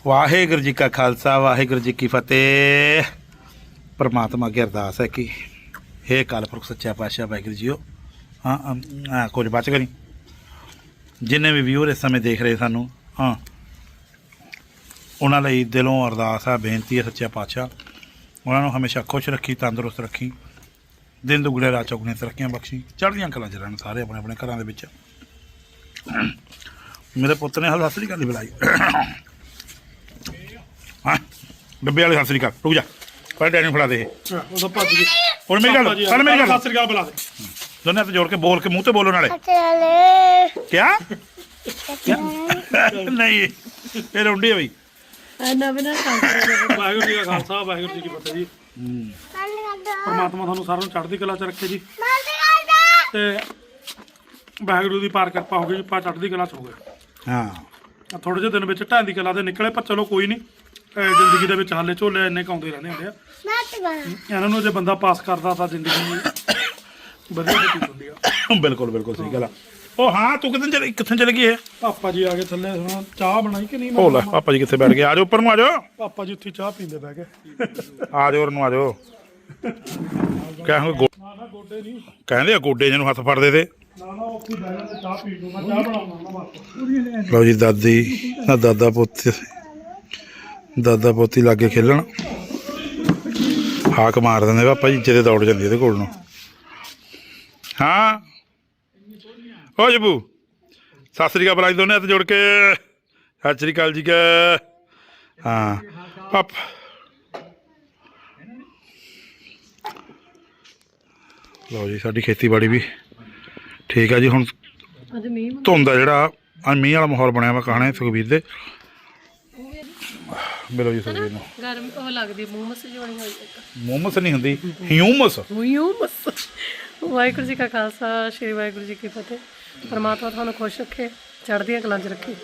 ਵਾਹਿਗੁਰੂ ਜੀ ਕਾ ਖਾਲਸਾ ਵਾਹਿਗੁਰੂ ਜੀ ਕੀ ਫਤਿਹ। परमात्मा की अरदास है कि हे अकाल पुरख सच्चा पातशाह वाहिगुरू जीओ। हाँ कुछ बच करी जिन्हें भी व्यूअर इस समय देख रहे सानू हाँ उन्होंने दिलों अरदास है बेनती है सच्चा पातशाह उन्होंने हमेशा खुश रखी तंदुरुस्त रखी दिन दुगने रात चौगने तरक्कियां बख्शी चढ़दियां कलां च रहन सारे अपने अपने घरों के। मेरे पुत्र ने हल सत श्री अकाल बुलाई हाँ डब्बे वाले सत श्री अकाल रुक जा पर डैडी फड़ा दे और मेरी गल सत श्री अकाल बुला दे दोनों हाथ जोड़ के बोल के मुंह ते बोलो नाले क्या नहीं ये रोंडी है भाई। वाहिगुरू जी का खालसा वाहिगुरू जी की फतेह जी। परमात्मा ਤੁਹਾਨੂੰ ਸਾਰਿਆਂ ਨੂੰ ਚੜ੍ਹਦੀ ਕਲਾ ਚ ਰੱਖੇ ਜੀ ਤੇ ਵਾਹਿਗੁਰੂ ਦੀ ਪਾਰ ਕਿਰਪਾ ਹੋ ਗਈ ਜੀ। ਆਪਾਂ ਚੜ੍ਹਦੀ ਕਲਾ ਚ ਹੋ ਗਏ ਹਾਂ ਥੋੜੇ ਜਿਹੇ ਦਿਨ ਵਿੱਚ ਢਾਂਦੀ ਕਲਾ ਦੇ ਨਿਕਲੇ ਪਰ ਚਲੋ ਕੋਈ ਨਹੀਂ ਜ਼ਿੰਦਗੀ ਦੇ ਵਿੱਚ ਹਾਲੇ ਝੋਲੇ ਇੰਨੇ ਕਾਉਂਦੇ ਰਹਿੰਦੇ ਹੁੰਦੇ ਆ ਇਹਨਾਂ ਨੂੰ ਜੇ ਬੰਦਾ ਪਾਸ ਕਰਦਾ ਤਾਂ ਜ਼ਿੰਦਗੀ ਵਧੀਆ ਬਤੀਤ ਹੁੰਦੀ ਆ। बिल्कुल बिल्कुल सही गल। ओ हाँ तू कितने चले गई है? ਪਾਪਾ ਜੀ ਆ ਗਏ ਥੱਲੇ ਹੁਣ ਚਾਹ ਬਣਾਈ ਕਿ ਨਹੀਂ ओ लै पापा जी कितने बैठ गए आ जाओ ऊपर आ जाओ ਪਾਪਾ ਜੀ ਉੱਥੇ ਚਾਹ ਪੀਂਦੇ ਬਹਿ ਗਏ आ जाओ आ जाओ कहेंगे ਨਾ ਗੋਡੇ ਨਹੀਂ कहते गोडे जिन्होंने हथ फड़ते थे। ਨਾ ਉੱਥੇ ਬਹਿ ਜਾਂਦੇ ਚਾਹ ਪੀ ਲੂ ਮੈਂ ਚਾਹ ਬਣਾਉਣਾ ਨਾ ਬਸ लो जी दादी ना दादा पोती लागे खेलन हाक मार देंगे पापा जी जिद्द दौड़ जाती है कोल। हाँ ओ जबू सत श्री अकाल बुलाई दोनों हाथ जोड़ के सत श्री अकाल जी का। हाँ पाप लो जी साडी खेतीबाड़ी भी ठीक है जी। हुण धुंद आ जिहड़ा मींह वाला माहौल बनया वा कहाने सुखबीर दे मिलो जी सुखबीर नूं ਗਰਮ ਉਹ ਲੱਗਦੀ ਮੂਮਸ ਜੋਣੀ ਹੋਈ ਇੱਕ मोमस नहीं हुंदी ह्यूमस। ਵਾਹਿਗੁਰੂ ਜੀ ਕਾ ਖਾਲਸਾ ਸ਼੍ਰੀ ਵਾਹਿਗੁਰੂ ਜੀ ਕੀ ਫਤਿਹ। ਪਰਮਾਤਮਾ ਤੁਹਾਨੂੰ ਖੁਸ਼ ਰੱਖੇ ਚੜ੍ਹਦੀਆਂ ਕਲਾਂ 'ਚ ਰੱਖੇ।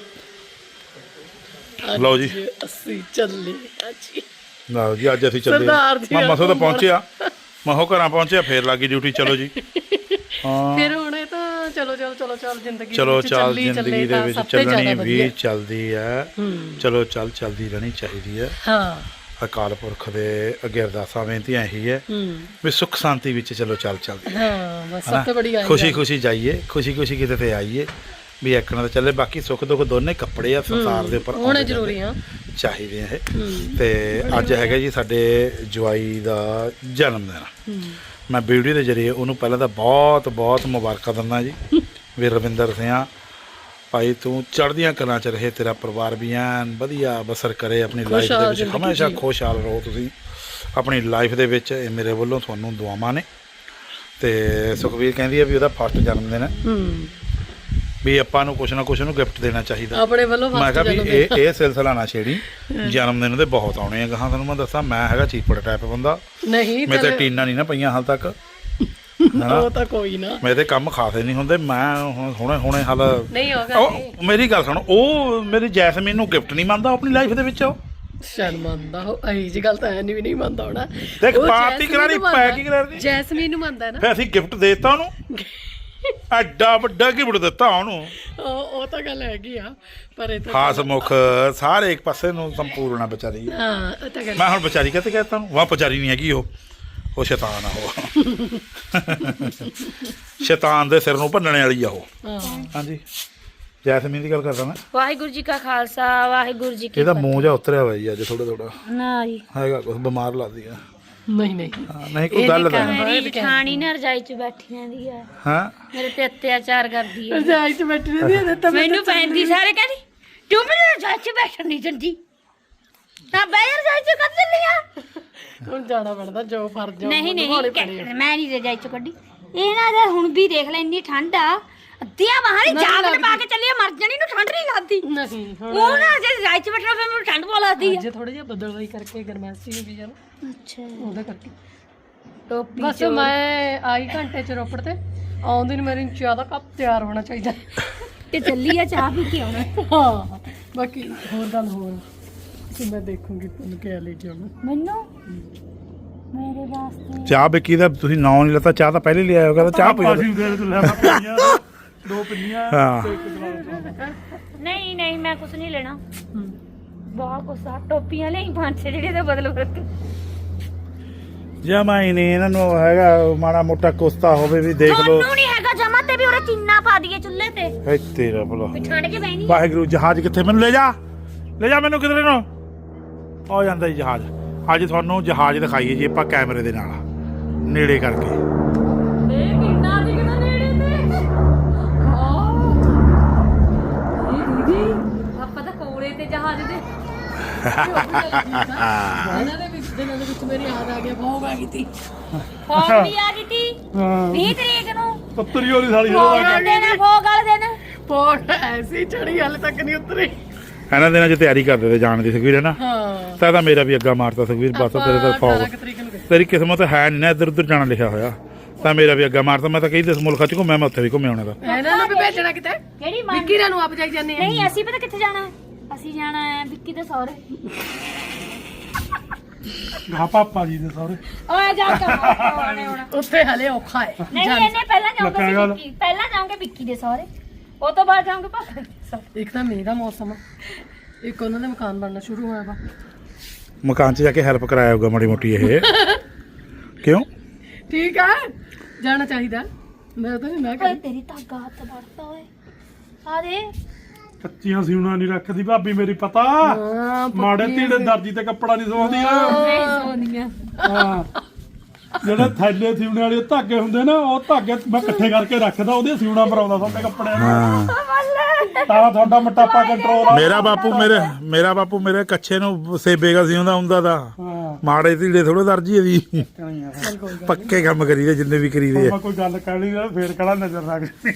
लो जी ਅਸੀਂ ਚੱਲੇ ਜੀ लो जी अज असीं चले सरदार जी मैं मसों तो पहुंचे महो घर पहुंचे फिर लगी ड्यूटी चलो जी। हाँ ਫਿਰ ਹੁਣ ਇਹ ਤਾਂ ਚਲੋ ਜ਼ਿੰਦਗੀ चलो ਵਿੱਚ चल ਚੱਲੀ जिंदगी दे विच ਸਭ ਤੋਂ चलनी ਜ਼ਿਆਦਾ भी ਵਧੀਆ। चलदी है चलो चलदी रहनी चाहिए है। ਹਾਂ अकाल पुरख दे अगे अरदासां बेनतियां यही है भी सुख शांति विच चलो चलदी ਹਾਂ ਬਸ ਸਭ ਤੋਂ ਬੜੀ ਆਈ खुशी खुशी जाइए खुशी खुशी किते ते आइए भी एकना तो चले। बाकी सुख दुख दोने कपड़े आ संसार दे उपर होने जरूरी आ चाहिए है। ते अज हैगा जी साडे जवाई दा जन्म दिन। मैं वीडियो के जरिए उन्होंने पहले तो बहुत बहुत मुबारक दिंदा जी भी रविंदर सिंह भाई तू चढ़दियां कलां च रहे तेरा परिवार भी एन वधिया बसर करे अपनी लाइफ दे विच हमेशा खुशहाल रहो तुसीं अपनी लाइफ दे विच। ये मेरे वल्लों तुहानूं दुआवां ने। ते सुखबीर कहंदी है भी ਉਹਦਾ फस्ट जन्मदिन है भी ਆਪਾਂ ਨੂੰ ਕੁਛ ਨਾ ਕੁਛ ਨੂੰ ਗਿਫਟ ਦੇਣਾ ਚਾਹੀਦਾ ਆਪਣੇ ਵੱਲੋਂ ਮੈਂ ਕਿਹਾ ਵੀ ਇਹ ਸਿਲਸਿਲਾ ਨਾ ਛੇੜੀ ਜਨਮਦਿਨ ਦੇ ਬਹੁਤ ਆਉਣੇ ਆ ਗਾਹਾਂ ਤੁਹਾਨੂੰ ਮੈਂ ਦੱਸਾਂ ਮੈਂ ਹੈਗਾ ਚੀਪੜ ਟਾਈਪ ਬੰਦਾ ਨਹੀਂ ਮੇਰੇ ਤੇ ਟੀਨਾਂ ਨਹੀਂ ਨਾ ਪਈਆਂ ਹਾਲ ਤੱਕ ਉਹ ਤਾਂ ਕੋਈ ਨਾ ਮੇਰੇ ਤੇ ਕੰਮ ਖਾਸੇ ਨਹੀਂ ਹੁੰਦੇ ਮੈਂ ਹੁਣੇ ਹਾਲ ਨਹੀਂ ਹੋਗਾ ਉਹ ਮੇਰੀ ਗੱਲ ਸੁਣ ਉਹ ਮੇਰੀ ਜੈਸਮੀਨ ਨੂੰ ਗਿਫਟ ਨਹੀਂ ਮੰਨਦਾ ਆਪਣੀ ਲਾਈਫ ਦੇ ਵਿੱਚ ਉਹ ਸ਼ਾਇਦ ਮੰਨਦਾ ਉਹ ਅਹੀ ਜੀ ਗੱਲ ਤਾਂ ਐ ਨਹੀਂ ਵੀ ਨਹੀਂ ਮੰਨਦਾ ਹੋਣਾ ਦੇਖ ਪਾਰਟੀ ਕਰਾਣੀ ਪੈਕ ਹੀ ਕਰਾਣੀ ਜੈਸਮੀਨ ਨੂੰ ਮੰਨਦਾ ਨਾ ਫੇ ਅਸੀਂ ਗਿਫਟ ਦੇਤਾ ਉਹਨੂੰ ਐਡਾ ਵੱਡਾ ਗਿਫਟ ਦਿੱਤਾ ਉਹਨੂੰ ਉਹ ਤਾਂ ਗੱਲ ਹੈਗੀ ਆ ਪਰ ਇਹ ਤਾਂ ਖਾਸ ਮੁਖ ਸਾਰੇ ਇੱਕ ਪਾਸੇ ਨੂੰ ਸੰਪੂਰਨ ਆ ਵਿਚਾਰੀ। ਹਾਂ ਉਹ ਤਾਂ ਗੱਲ ਮੈਂ ਹੁਣ ਵਿਚਾਰੀ ਕਿਤੇ ਕਹਿਤਾ ਉਹਨੂੰ ਵਾਹ ਵਿਚਾਰੀ ਨਹੀਂ ਹੈਗੀ ਉਹ ਸ਼ੈਤਾਨ ਆ ਉਹ ਸ਼ੈਤਾਨ ਦੇ ਸਿਰ ਨੂੰ ਭੰਨਣੇ ਵਾਲੀ ਆ ਉਹ। ਹਾਂਜੀ ਜੈਸਮੀਨ ਦੀ ਗੱਲ ਕਰਦਾ ਮੈਂ। ਵਾਹਿਗੁਰੂ ਜੀ ਕਾ ਖਾਲਸਾ ਵਾਹਿਗੁਰੂ ਜੀ ਕੀ ਇਹਦਾ ਮੂੰਹ ਜਿਹਾ ਉਤਰਿਆ ਹੋਇਆ ਜੀ ਅੱਜ ਥੋੜਾ ਨਾ ਜੀ ਹੈਗਾ ਕੁਛ ਬਿਮਾਰ ਲੱਗਦੀ ਆ। ਨਹੀਂ ਨਹੀਂ ਕੋਈ ਗੱਲ ਦਾ ਮੇਰੀ ਜਠਾਣੀ ਨਾ ਰਜਾਈ ਚ ਬੈਠੀ ਰਹਿੰਦੀ ਆ ਹਾਂ ਮੇਰੇ ਤੇ ਅਤਿਆਚਾਰ ਕਰਦੀ ਆ ਰਜਾਈ ਚ ਬੈਠੀ ਰਹਿੰਦੀ ਹੈ ਤਾਂ ਮੈਨੂੰ ਪੈਂਦੀ ਸਾਰੇ ਕਹਿੰਦੀ ਤੂੰ ਮੈਨੂੰ ਰਜਾਈ ਚ ਬੈਠਣ ਨਹੀਂ ਦਿੰਦੀ ਤਾਂ ਬੈਠ ਰਜਾਈ ਚ ਕੱਢ ਦਿੰਦੀ ਆ ਹੁਣ ਜਾਣਾ ਪੈਂਦਾ ਜੋ ਫਰਜ਼ ਆ ਨਹੀਂ ਮੈਂ ਨਹੀਂ ਰਜਾਈ ਚ ਕੱਢੀ ਇਹਨਾਂ ਦੇ ਹੁਣ ਵੀ ਦੇਖ ਲੈ ਇੰਨੀ ਠੰਡ ਆ ਅੱਧੀਆਂ ਬਾਹਰ ਜਾਗਟ ਪਾ ਕੇ ਚੱਲੀ ਮਰ ਜਾਣੀ ਨੂੰ ਠੰਡ ਨਹੀਂ ਲੱਗਦੀ ਨਹੀਂ ਉਹ ਨਾ ਜੇ ਰਜਾਈ ਚ ਬੈਠਣਾ ਫਿਰ ਮੈਨੂੰ ਠੰਡ ਪਾ ਲੱਗਦੀ ਆ ਜੇ ਥੋੜਾ ਜਿਹਾ ਬਦਲਵਾਈ ਕਰਕੇ ਗਰਮੈਸ਼ੀ ਹੋ ਗਈ ਜਾਨ ਅੱਛਾ ਉਹਦੇ ਕਰਕੇ ਟੋਪੀ ਬਸ ਮੈਂ ਆਈ ਘੰਟੇ ਚ ਰੋਪੜ ਤੇ ਆਉਂਦੀ ਨੂੰ ਮੇਰੀ ਜ਼ਿਆਦਾ ਕੱਪ ਤਿਆਰ ਹੋਣਾ ਚਾਹੀਦਾ ਤੇ ਚੱਲੀ ਆ ਚਾਹ ਪੀ ਕੇ ਆਉਣਾ ਹਾਂ ਬਾਕੀ ਹੋਰ ਗੱਲ ਹੋਰ ਕਿ ਮੈਂ ਦੇਖੂੰਗੀ ਤੁਹਾਨੂੰ ਕਿਆ ਲੈ ਕੇ ਆਉਣਾ ਮੈਨੂੰ ਮੇਰੇ ਵਾਸਤੇ ਚਾਹ ਬਿੱਕੀ ਦਾ ਤੁਸੀਂ ਨਾਂ ਨਹੀਂ ਲੱਤਾ ਚਾਹ ਤਾਂ ਪਹਿਲੇ ਲਿਆਇਆ ਹੋਗਾ ਤਾਂ ਚਾਹ ਪੀ ਦੋ ਪਿੰਨੀਆਂ ਹਾਂ ਨਹੀਂ ਮੈਂ ਕੁਝ ਨਹੀਂ ਲੈਣਾ ਬਹੁਤ ਕੁਛ ਟੋਪੀਆਂ ਲਈ 5-6 ਜਿਹੜੇ ਦਾ ਬਦਲ ਵਰਤ ਜਮਾ ਹੀ ਨਹੀਂ ਇਹਨਾਂ ਨੂੰ ਹੈਗਾ ਮਾੜਾ ਮੋਟਾ ਕੁਸਤਾ ਹੋਵੇ ਵੀ ਦੇਖ ਲਓ ਉਹਨੂੰ ਨਹੀਂ ਹੈਗਾ ਜਮਾ ਤੇ ਵੀ ਉਹਰੇ ਚੀਨਾ ਪਾ ਦਈਏ ਚੁੱਲ੍ਹੇ ਤੇ ਹੈ ਤੇਰਾ ਭਲਾ ਵੀ ਠੰਡ ਚ ਬੈਣੀ ਵਾਹਿਗੁਰੂ ਜਹਾਜ਼ ਕਿੱਥੇ ਮੈਨੂੰ ਲੈ ਜਾ ਮੈਨੂੰ ਕਿਧਰੇ ਨੂੰ ਆ ਜਾਂਦਾ ਜੀ ਜਹਾਜ਼ ਅੱਜ ਤੁਹਾਨੂੰ ਜਹਾਜ਼ ਦਿਖਾਈਏ ਜੀ ਆਪਾਂ ਕੈਮਰੇ ਦੇ ਨਾਲ ਨੇੜੇ ਕਰਕੇ ਇਹ ਕਿੰਨਾ ਦਿਖਦਾ ਨੇੜੇ ਤੇ ਇਹ ਦੀਦੀ ਆਪਾਂ ਤਾਂ ਕੋਲੇ ਤੇ ਜਹਾਜ਼ ਦੇ ਇਹਨਾਂ ਦੇ ਵਿੱਚ ਮੇਰੀ ਯਾਦ ਆ ਗਿਆ ਬਹੁਤ ਆ ਗਈ ਤੀ ਫੋਗ ਵੀ ਆ ਗਈ ਤੀ 20 ਤਰੀਕ ਨੂੰ ਪੱਤਰੀ ਵਾਲੀ ਸਾਲੀ ਫੋਗ ਵਾਲੇ ਦਿਨ ਫੋਗ ਵਾਲੇ ਦਿਨ ਪੋਟ ਐਸੀ ਚੜੀ ਹਾਲੇ ਤੱਕ ਨਹੀਂ ਉਤਰੀ ਇਹਨਾਂ ਦਿਨਾਂ 'ਚ ਤਿਆਰੀ ਕਰਦੇ ਤੇ ਜਾਣ ਦੀ ਸੁਖਵੀਰ ਹੈ ਨਾ ਹਾਂ ਤਾਂ ਮੇਰਾ ਵੀ ਅੱਗਾ ਮਾਰਤਾ ਸੁਖਵੀਰ ਬਸ ਤੇਰੇ ਤਾਂ ਫੌਗ 18 ਤਰੀਕ ਨੂੰ ਗਏ। ਤੇਰੀ ਕਿਸਮਤ ਹੈ ਨਹੀਂ ਨਾ ਇੱਧਰ ਉੱਧਰ ਜਾਣਾ ਲਿਖਿਆ ਹੋਇਆ ਤਾਂ ਮੇਰਾ ਵੀ ਅੱਗਾ ਮਾਰਤਾ ਮੈਂ ਤਾਂ ਕਈ ਦੇਸ ਮੁਲਕਾਂ 'ਚ ਘੁੰਮਿਆ ਮੈਂ ਉੱਥੇ ਵੀ ਘੁੰਮਿਆ ਹੋਣਾ ਦਾ ਇਹਨਾਂ ਨੂੰ ਵੀ ਭੇਜਣਾ ਕਿਤੇ ਕਿਹੜੀ ਮਾਂ ਵਿੱਕੀ ਨੂੰ ਆਪ ਜਾਈ ਜਾਂਦੇ ਆ ਨਹੀਂ ਅਸੀਂ ਪਤਾ ਕਿੱਥੇ ਜਾਣਾ ਹੈ? ਅਸੀਂ ਜਾਣਾ ਹੈ ਵਿੱਕੀ ਦੇ ਸਹੁਰੇ ਗਾ ਪਾਪਾ ਜੀ ਦੇ ਸਾਰੇ ਓਏ ਜਾ ਕੇ ਆਉਣੇ ਹੁਣ ਉੱਥੇ ਹਲੇ ਔਖਾ ਹੈ ਨਹੀਂ ਇਹਨੇ ਪਹਿਲਾਂ ਲੱਗਾ ਜਾਊਂਗੇ ਗੱਲ। ਵਿੱਕੀ ਪਹਿਲਾਂ ਜਾਊਂਗੇ ਵਿੱਕੀ ਦੇ ਸਹੁਰੇ ਉਹ ਤੋਂ ਬਾਅਦ ਜਾਊਂਗੇ ਪਾਪਾ ਦੇ ਸਹੁਰੇ। ਇੱਕ ਤਾਂ ਮੀਂਹ ਦਾ ਮੌਸਮ ਆ ਇੱਕ ਉਹਨਾਂ ਦੇ ਮਕਾਨ ਬਣਨਾ ਸ਼ੁਰੂ ਹੋਇਆ ਵਾ ਮਕਾਨ 'ਚ ਜਾ ਕੇ ਹੈਲਪ ਕਰਾਇਆ ਹੋਊਗਾ ਮਾੜੀ ਮੋਟੀ ਇਹ ਕਿਉਂ ਠੀਕ ਆ ਜਾਣਾ ਚਾਹੀਦਾ ਮੈਂ ਤਾਂ ਨਹੀਂ ਮੈਂ ਓਏ ਕਹਿੰਦੀ ਤੇਰੀ ਧਾਗਾ ਹੱਥ ਵੜਤਾ ਓਏ ਆ ਦੇ ਕੱਚੀਆਂ ਸਿਉਣਾ ਨਹੀਂ ਰੱਖਦੀ ਭਾਬੀ ਮੇਰੀ ਪਤਾ ਹਾਂ ਮਾੜੇ ਧੀੜੇ ਦਰਜੀ ਤੇ ਕੱਪੜਾ ਨਹੀਂ ਸਵਾਉਂਦੀ ਆ ਨਹੀਂ ਸੋਨੀਆਂ ਹਾਂ ਜਿਹੜੇ ਥੈਲੇ ਸਿਉਣੇ ਵਾਲੇ ਧਾਗੇ ਹੁੰਦੇ ਨਾ ਉਹ ਧਾਗੇ ਮੈਂ ਇਕੱਠੇ ਕਰਕੇ ਰੱਖਦਾ ਉਹਦੇ ਸਿਉਣਾ ਭਰਾਉਂਦਾ ਸਾਡੇ ਕੱਪੜਿਆਂ ਨੂੰ ਹਾਂ ਤਾਂ ਤੁਹਾਡਾ ਮੋਟਾਪਾ ਕੰਟਰੋਲ ਆ ਮੇਰਾ ਬਾਪੂ ਮੇਰੇ ਕੱਛੇ ਨੂੰ ਸੇਬੇਗਾ ਸੀ ਹੁੰਦਾ ਦਾ ਹਾਂ ਮਾੜੇ ਧੀੜੇ ਥੋੜੇ ਦਰਜੀ ਦੀ ਪੱਕੇ ਕੰਮ ਕਰੀਦੇ ਜਿੰਨੇ ਵੀ ਕਰੀਦੇ ਮੈਂ ਕੋਈ ਗੱਲ ਕਹਿਣੀ ਨਾ ਫੇਰ ਕਿਹੜਾ ਨਜ਼ਰ ਰੱਖਦੀ